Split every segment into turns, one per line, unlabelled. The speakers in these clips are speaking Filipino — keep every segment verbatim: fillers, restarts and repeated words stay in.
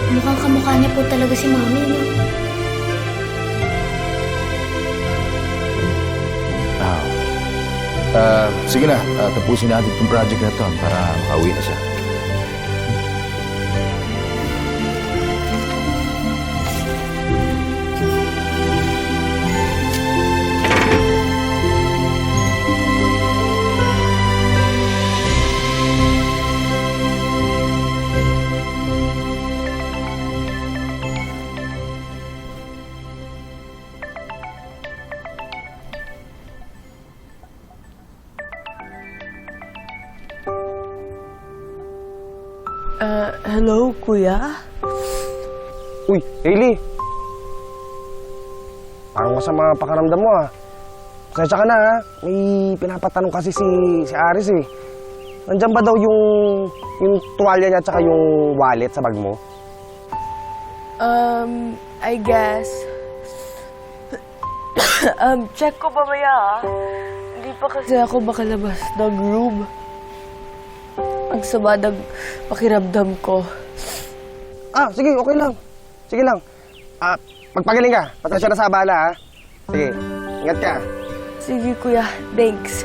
Mukhang kamukha niya po talaga si Mami, no?
Ah, ah, sige na, ah, tapusin natin itong project na to para makauwi na siya.
Uh, hello, kuya?
Uy, Hailey! Parang masama pakaramdam mo, ah. Pasensya ka na, ha? May pinapatanong kasi si, si Aris, eh. Nandyan ba daw yung, yung tuwalya niya at saka yung wallet sa bag mo?
Um, I guess. um, check ko mamaya, ah. Hindi pa kasi ako makalabas ng room. Ang sama ng pakiramdam ko.
Ah, sige, okay lang. Sige lang. Ah, magpagaling ka. Pasensya na sa abala, ha? Sige, ingat ka.
Sige, kuya. Thanks.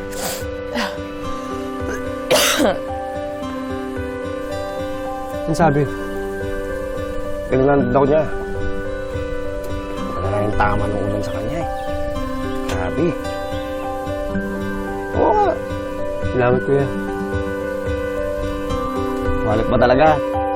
Ano sabi? Tingnan daw niya. Wala na yung tama ng ulan sa kanya, eh. Grabe. Oo nga. Salamat, kuya. Wallet ba talaga?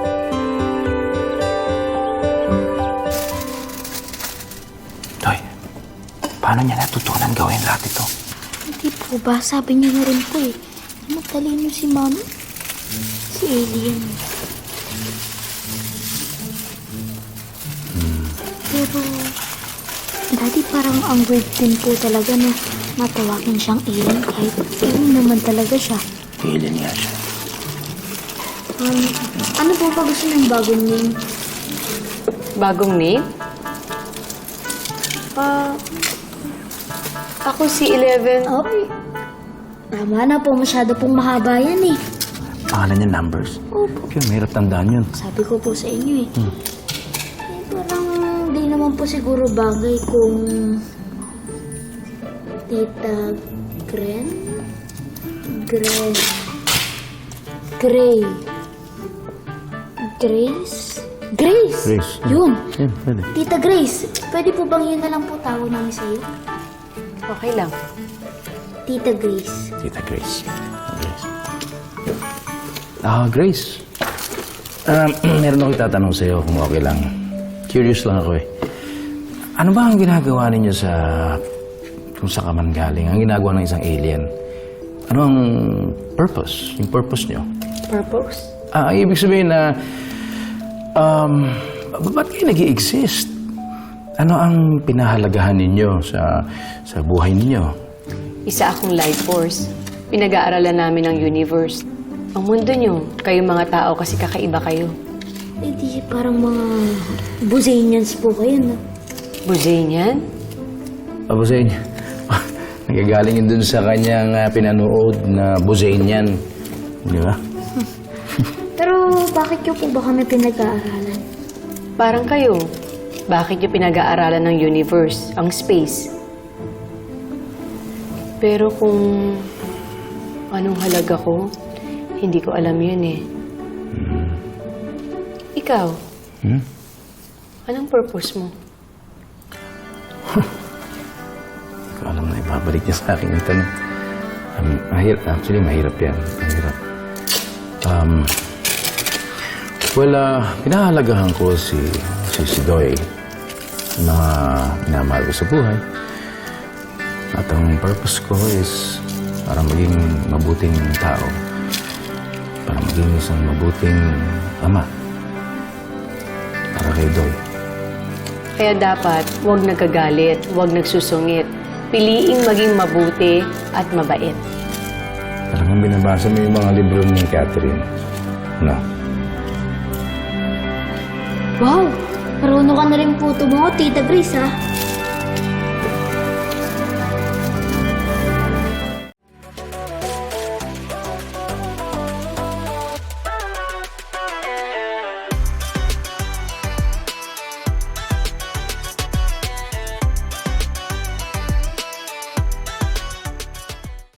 Toy, paano niya natutunan gawin lahat ito?
Hindi po ba? Sabi niya na rin po, eh. Matalino si Mami. Si Alien.
Hmm.
Pero, Daddy, parang ang weird din po talaga na matawagin siyang alien kahit alien naman talaga siya.
Alien nga siya.
Um, ano po ba gusto ng bagong name?
Bagong name?
Ah,
Ako si Eleven.
okay. Tama na po, masyado pong mahaba yan eh.
Pangalan niya numbers.
Opo.
Kaya mahirap tandaan yun.
Sabi ko po sa inyo eh.
Hmm.
Eh, parang di naman po siguro bagay kung Tita Gren? Gren. Gray. Grace? Grace!
Grace.
Yun.
Yan, pwede.
Tita Grace, pwede po bang yun na lang po tawag namin sa'yo?
Okay lang.
Tita Grace.
Tita Grace. Grace. Ah, Grace. Ah, meron ako itatanong sa'yo kung okay lang. Curious lang ako eh. Ano ba ang ginagawa ninyo sa... kung sa kaman galing? Ang ginagawa ng isang alien? Ano ang purpose? Yung purpose nyo?
Purpose?
Ah, ang ibig sabihin na... Um, ba- ba't kayo nag-i-exist? Ano ang pinahalagahan ninyo sa sa buhay ninyo?
Isa akong life force. Pinag-aaralan namin ang universe. Ang mundo nyo, kayong mga tao kasi kakaiba kayo.
Eh di parang mga Buzanians po kayo, no?
Buzanian?
Abusain, nagagaling yun dun sa kanyang uh, pinanood na Buzanian. Di ba?
Pero bakit nyo po ba kami pinag-aaralan?
Parang kayo. Bakit nyo pinag-aaralan ng universe, ang space? Pero kung anong halaga ko, hindi ko alam yun eh.
Hmm.
Ikaw,
Hmm?
anong purpose mo?
Hindi ko alam na ibabalik niya sa akin yung tanong. Um, mahirap. Actually, mahirap yan. Mahirap. Um, well, uh, pinahalagahan ko si, si, si Doy. Yung mga minamahal ko sa buhay. At ang purpose ko is para maging mabuting tao. Para maging isang mabuting ama. Para kay Doy.
Kaya dapat, huwag nagkagalit, huwag nagsusungit. Piliing maging mabuti at mabait.
Talagang binabasa mo yung mga libro ni Catherine. No?
Wow! Marunong ka na rin po tumango, Tita Grace, ha?